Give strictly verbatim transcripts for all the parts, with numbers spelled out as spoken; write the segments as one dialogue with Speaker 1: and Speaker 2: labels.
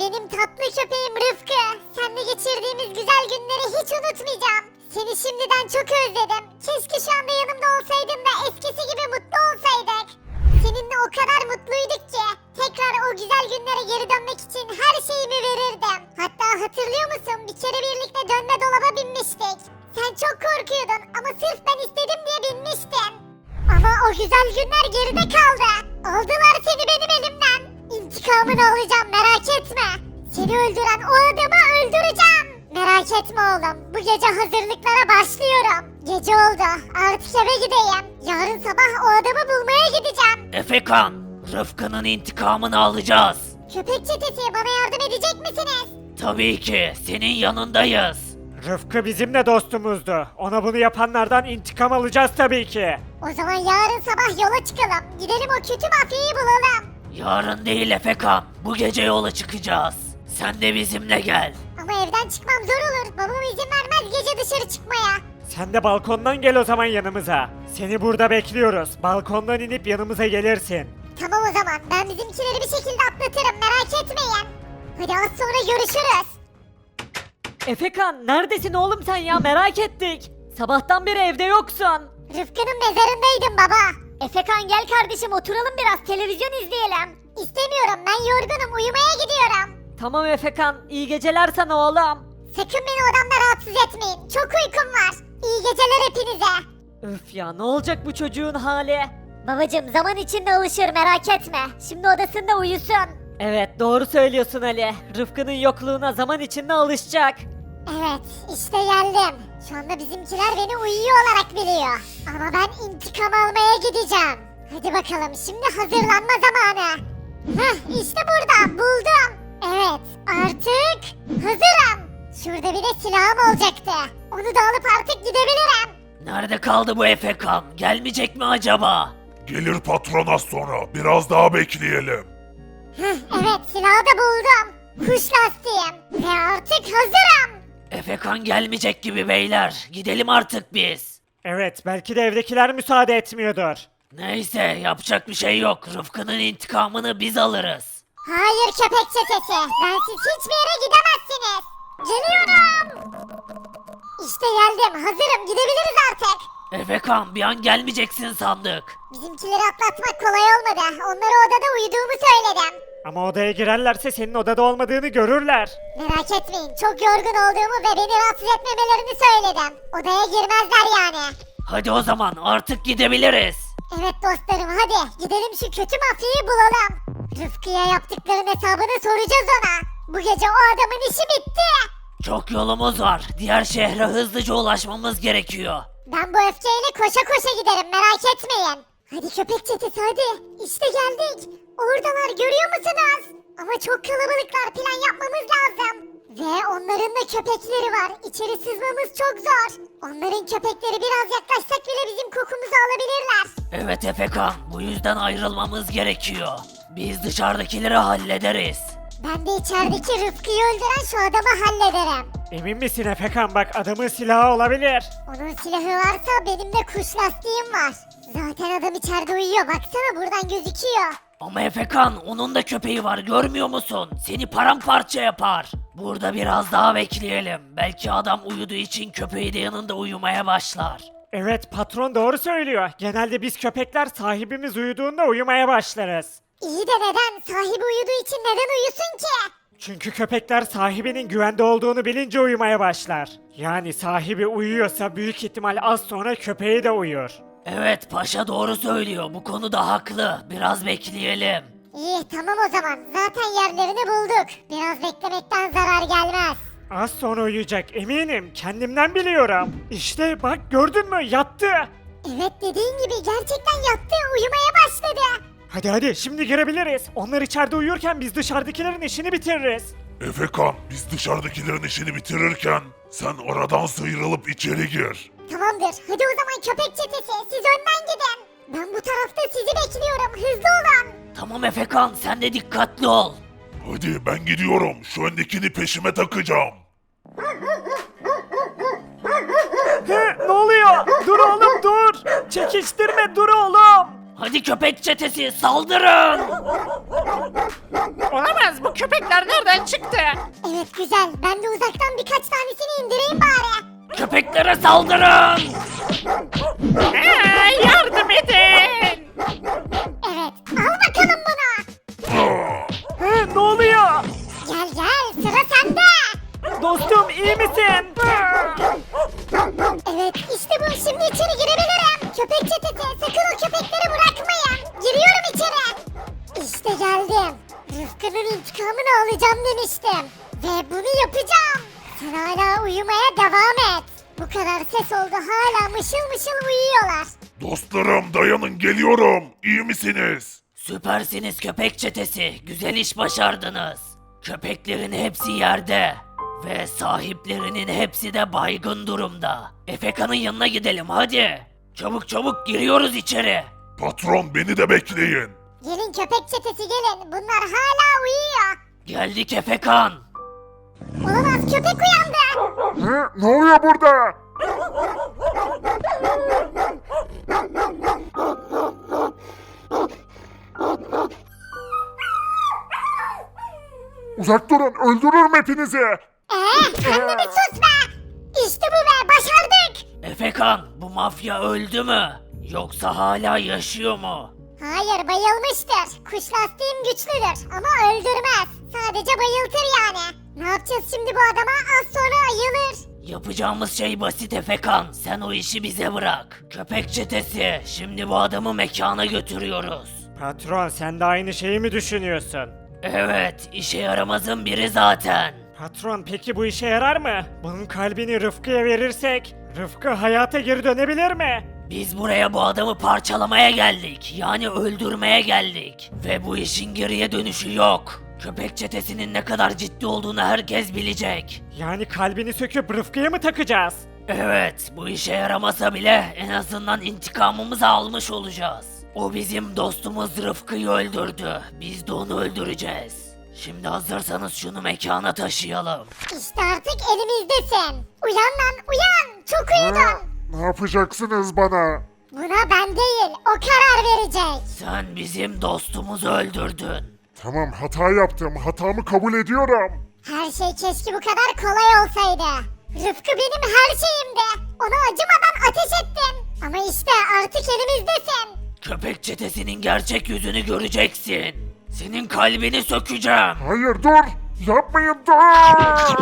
Speaker 1: Benim tatlı köpeğim Rıfkı. Seninle geçirdiğimiz güzel günleri hiç unutmayacağım. Seni şimdiden çok özledim. Keşke şu anda yanımda olsaydın da eskisi gibi mutlu olsaydık. Seninle o kadar mutluyduk ki tekrar o güzel günlere geri dönmek için her şeyimi verirdim. Hatta hatırlıyor musun? Bir kere birlikte dönme dolaba binmiştik. Sen çok korkuyordun ama sırf ben istedim diye binmiştin. Ama o güzel günler geride kaldı. Aldılar seni benim elimden. İntikamını alacağım, merak etme. Seni öldüren o adamı öldüreceğim. Merak etme oğlum. Bu gece hazırlıklara başlıyorum. Gece oldu. Artık eve gideyim. Yarın sabah o adamı bulmaya gideceğim.
Speaker 2: Efekan, Rıfkı'nın intikamını alacağız.
Speaker 1: Köpek çetesi, bana yardım edecek misiniz?
Speaker 2: Tabii ki, senin yanındayız.
Speaker 3: Rıfkı bizim de dostumuzdu. Ona bunu yapanlardan intikam alacağız tabii ki.
Speaker 1: O zaman yarın sabah yola çıkalım. Gidelim o kötü mafyayı bulalım.
Speaker 2: Yarın değil Efekan, bu gece yola çıkacağız. Sen de bizimle gel.
Speaker 1: Ama evden çıkmam zor olur. Babam izin vermez gece dışarı çıkmaya.
Speaker 3: Sen de balkondan gel o zaman yanımıza. Seni burada bekliyoruz. Balkondan inip yanımıza gelirsin.
Speaker 1: Tamam o zaman. Ben bizimkileri bir şekilde atlatırım. Merak etmeyin. Hadi az sonra görüşürüz.
Speaker 4: Efekan neredesin oğlum sen ya merak ettik. Sabahtan beri evde yoksun.
Speaker 1: Rıfkı'nın mezarındaydım baba. Efekan gel kardeşim oturalım biraz televizyon izleyelim. İstemiyorum ben yorgunum uyumaya gidiyorum.
Speaker 4: Tamam Efekan iyi geceler sana oğlum.
Speaker 1: Sakın beni odamda rahatsız etmeyin. Çok uykum var. İyi geceler hepinize.
Speaker 4: Öf ya ne olacak bu çocuğun hali?
Speaker 1: Babacım zaman içinde alışır merak etme. Şimdi odasında uyusun.
Speaker 4: Evet doğru söylüyorsun Ali. Rıfkı'nın yokluğuna zaman içinde alışacak.
Speaker 1: Evet işte geldim. Şu anda bizimkiler beni uyuyor olarak biliyor. Ama ben intikam almaya gideceğim. Hadi bakalım şimdi hazırlanma zamanı. Heh işte burada buldum. Evet artık hazırım. Şurada bir de silahım olacaktı. Onu da alıp artık gidebilirim.
Speaker 2: Nerede kaldı bu Efekan? Gelmeyecek mi acaba?
Speaker 5: Gelir patron az sonra. Biraz daha bekleyelim.
Speaker 1: Heh, evet silahı da buldum. Kuş lastiğim. Ve artık hazırım.
Speaker 2: Efekan gelmeyecek gibi beyler. Gidelim artık biz.
Speaker 3: Evet, belki de evdekiler müsaade etmiyordur.
Speaker 2: Neyse yapacak bir şey yok. Rıfkı'nın intikamını biz alırız.
Speaker 1: Hayır köpek çetesi. Bensiz hiçbir yere gidemezsiniz. Geliyorum. İşte geldim. Hazırım. Gidebiliriz artık.
Speaker 2: Efekan bir an gelmeyeceksin sandık.
Speaker 1: Bizimkileri atlatmak kolay olmadı. Onlara odada uyuduğumu söyledim.
Speaker 3: Ama odaya girerlerse senin odada olmadığını görürler.
Speaker 1: Merak etmeyin. Çok yorgun olduğumu ve beni rahatsız etmemelerini söyledim. Odaya girmezler yani.
Speaker 2: Hadi o zaman artık gidebiliriz.
Speaker 1: Evet dostlarım hadi. Gidelim şu kötü mafyayı bulalım. Rıfkı'ya yaptıkların hesabını soracağız ona. Bu gece o adamın işi bitti.
Speaker 2: Çok yolumuz var. Diğer şehre hızlıca ulaşmamız gerekiyor.
Speaker 1: Ben bu öfkeyle koşa koşa giderim merak etmeyin. Hadi köpek çetesi hadi. İşte geldik. Oradalar görüyor musunuz? Ama çok kalabalıklar plan yapmamız lazım. Ve onların da köpekleri var. İçeri sızmamız çok zor. Onların köpekleri biraz yaklaşsak bile bizim kokumuzu alabilirler.
Speaker 2: Evet Efekan bu yüzden ayrılmamız gerekiyor. Biz dışarıdakileri hallederiz.
Speaker 1: Ben de içerideki Rıfkı'yı öldüren şu adamı hallederim.
Speaker 3: Emin misin Efekan, bak adamın silahı olabilir.
Speaker 1: Onun silahı varsa benim de kuş lastiğim var. Zaten adam içeride uyuyor baksana buradan gözüküyor.
Speaker 2: Ama Efekan onun da köpeği var görmüyor musun? Seni paramparça yapar. Burada biraz daha bekleyelim. Belki adam uyuduğu için köpeği de yanında uyumaya başlar.
Speaker 3: Evet, patron doğru söylüyor. Genelde biz köpekler sahibimiz uyuduğunda uyumaya başlarız.
Speaker 1: İyi de neden? Sahibi uyuduğu için neden uyusun ki?
Speaker 3: Çünkü köpekler sahibinin güvende olduğunu bilince uyumaya başlar. Yani sahibi uyuyorsa büyük ihtimal az sonra köpeği de uyur.
Speaker 2: Evet paşa doğru söylüyor. Bu konuda haklı. Biraz bekleyelim.
Speaker 1: İyi tamam o zaman. Zaten yerlerini bulduk. Biraz beklemekten zarar gelmez.
Speaker 3: Az sonra uyuyacak eminim. Kendimden biliyorum. İşte bak gördün mü, yattı.
Speaker 1: Evet dediğin gibi gerçekten yattı. Uyumaya başladı.
Speaker 3: Hadi hadi şimdi girebiliriz. Onlar içeride uyurken biz dışarıdakilerin işini bitiririz.
Speaker 5: Efekan, biz dışarıdakilerin işini bitirirken sen aradan sıyrılıp içeri gir.
Speaker 1: Tamamdır. Hadi o zaman köpek çetesi. Siz önden gidin. Ben bu tarafta sizi bekliyorum. Hızlı olun.
Speaker 2: Tamam Efekan sen de dikkatli ol.
Speaker 5: Hadi ben gidiyorum. Şu öndekini peşime takacağım.
Speaker 3: He, ne oluyor? Dur oğlum dur. Çekiştirme, dur oğlum.
Speaker 2: Hadi köpek çetesi saldırın.
Speaker 6: Olamaz, bu köpekler nereden çıktı?
Speaker 1: Evet güzel. Ben de uzaktan birkaç tanesini indireyim bari.
Speaker 2: Köpeklere saldırın!
Speaker 6: Aa, yardım edin!
Speaker 1: Evet. Al bakalım bunu.
Speaker 3: He, ne oluyor?
Speaker 1: Gel gel. Sıra sende.
Speaker 3: Dostum iyi misin?
Speaker 1: Evet işte bu. Şimdi içeri girebilirim. Köpek çetesi. Sakın o köpekleri bırakmayın. Giriyorum içeri. İşte geldim. Rıfkı'nın intikamını alacağım demiştim. Ve bunu yapacağım. Sen hala uyumaya devam et. Bu kadar ses oldu, hala mışıl mışıl uyuyorlar.
Speaker 5: Dostlarım dayanın geliyorum. İyi misiniz?
Speaker 2: Süpersiniz köpek çetesi. Güzel iş başardınız. Köpeklerin hepsi yerde. Ve sahiplerinin hepsi de baygın durumda. Efeka'nın yanına gidelim hadi. Çabuk çabuk giriyoruz içeri.
Speaker 5: Patron beni de bekleyin.
Speaker 1: Gelin köpek çetesi gelin, bunlar hala uyuyor.
Speaker 2: Geldik Efekan.
Speaker 1: Olamaz, köpek uyandı.
Speaker 5: Hı, ne oluyor burada? Uzak durun, öldürürüm hepinizi.
Speaker 1: Eee sen de bir sus be. İşte bu be, başardık.
Speaker 2: Efekan bu mafya öldü mü? Yoksa hala yaşıyor mu?
Speaker 1: Hayır, bayılmıştır. Kuş lastiğim güçlüdür ama öldürmez. Sadece bayıltır yani. Ne yapacağız şimdi bu adama? Az sonra ayılır.
Speaker 2: Yapacağımız şey basit Efekan. Sen o işi bize bırak. Köpek çetesi. Şimdi bu adamı mekana götürüyoruz.
Speaker 3: Patron sen de aynı şeyi mi düşünüyorsun?
Speaker 2: Evet, işe yaramazın biri zaten.
Speaker 3: Patron peki bu işe yarar mı? Bunun kalbini Rıfkı'ya verirsek Rıfkı hayata geri dönebilir mi?
Speaker 2: Biz buraya bu adamı parçalamaya geldik. Yani öldürmeye geldik. Ve bu işin geriye dönüşü yok. Köpek çetesinin ne kadar ciddi olduğunu herkes bilecek.
Speaker 3: Yani kalbini söküp Rıfkı'ya mı takacağız?
Speaker 2: Evet, bu işe yaramasa bile en azından intikamımızı almış olacağız. O bizim dostumuz Rıfkı'yı öldürdü. Biz de onu öldüreceğiz. Şimdi hazırsanız şunu mekana taşıyalım.
Speaker 1: İşte artık elimizdesin. Uyan lan, uyan. Çok uyudun.
Speaker 5: Ne yapacaksınız bana?
Speaker 1: Buna ben değil, o karar verecek.
Speaker 2: Sen bizim dostumuzu öldürdün.
Speaker 5: Tamam hata yaptım, hatamı kabul ediyorum.
Speaker 1: Her şey keşke bu kadar kolay olsaydı. Rıfkı benim her şeyimdi. Ona acımadan ateş ettim. Ama işte artık elimizdesin.
Speaker 2: Köpek çetesinin gerçek yüzünü göreceksin. Senin kalbini sökeceğim.
Speaker 5: Hayır dur, yapmayın dur.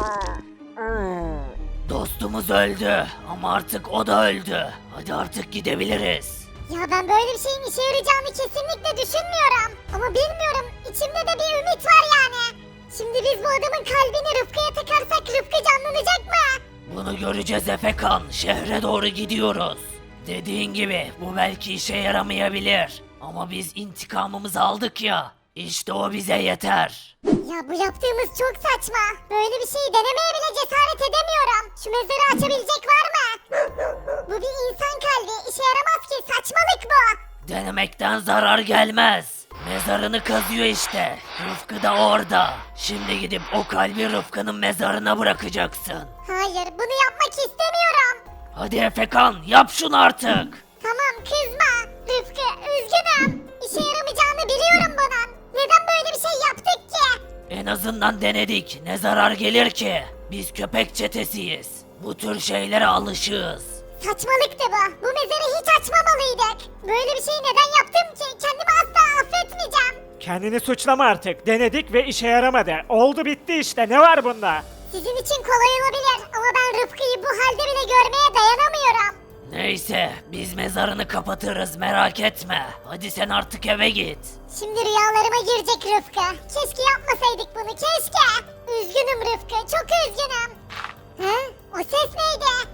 Speaker 2: Dostumuz öldü ama artık o da öldü. Hadi artık gidebiliriz.
Speaker 1: Ya ben böyle bir şeyin işe yarayacağını kesinlikle düşünmüyorum. Ama bilmiyorum, içimde de bir ümit var yani. Şimdi biz bu adamın kalbini Rıfkı'ya takarsak Rıfkı canlanacak mı?
Speaker 2: Bunu göreceğiz Efekan. Şehre doğru gidiyoruz. Dediğin gibi bu belki işe yaramayabilir. Ama biz intikamımızı aldık ya. İşte o bize yeter.
Speaker 1: Ya bu yaptığımız çok saçma. Böyle bir şeyi denemeye bile cesaret edemiyorum. Şu mezarı açabilecek var mı? Bu bir insan kalbi. İşe yaramaz ki. Saçmalık bu.
Speaker 2: Denemekten zarar gelmez. Mezarını kazıyor işte. Rıfkı da orada. Şimdi gidip o kalbi Rıfkı'nın mezarına bırakacaksın.
Speaker 1: Hayır, bunu yapmak istemiyorum.
Speaker 2: Hadi Efekan yap şunu artık.
Speaker 1: Tamam, kızma. Rıfkı, üzgünüm. İşe yaramayacağını biliyorum bunun. Neden böyle bir şey yaptık ki?
Speaker 2: En azından denedik. Ne zarar gelir ki? Biz köpek çetesiyiz. Bu tür şeylere alışığız.
Speaker 1: Saçmalıktı bu. Bu mezarı hiç açmamalıydık. Böyle bir şeyi neden yaptım ki? Kendimi asla affetmeyeceğim.
Speaker 3: Kendini suçlama artık. Denedik ve işe yaramadı. Oldu bitti işte. Ne var bunda?
Speaker 1: Sizin için kolay olabilir ama ben Rıfkı'yı bu halde bile görmeye dayanamıyorum.
Speaker 2: Neyse biz mezarını kapatırız merak etme. Hadi sen artık eve git.
Speaker 1: Şimdi rüyalarıma girecek Rıfkı. Keşke yapmasaydık bunu, keşke. Üzgünüm Rıfkı, çok üzgünüm. He? O ses neydi?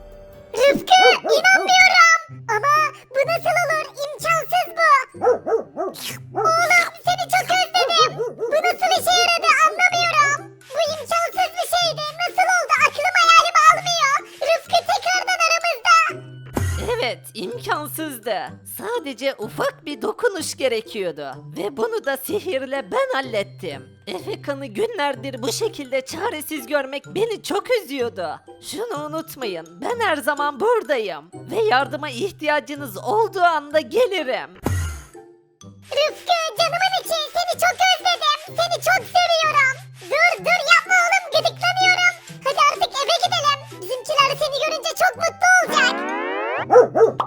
Speaker 1: Rıfkı, inanmıyorum. Ama bu nasıl olur? İmkansız bu. Oğlum, seni çok özledim. Bu nasıl işe yaradı anlamıyorum. Bu imkansız bir şeydi. Nasıl oldu? Aklım hayalimi almıyor. Rıfkı tekrardan aramızda.
Speaker 4: Evet, imkansızdı. Sadece ufak bir dokunuş gerekiyordu. Ve bunu da sihirle ben hallettim. Efekan'ı günlerdir bu şekilde çaresiz görmek beni çok üzüyordu. Şunu unutmayın, ben her zaman buradayım. Ve yardıma ihtiyacınız olduğu anda gelirim.
Speaker 1: Rıfkı canımın içi seni çok özledim. Seni çok seviyorum. Dur dur yapma oğlum gıdıklanıyorum. Hadi artık eve gidelim. Bizimkiler seni görünce çok mutlu olacak.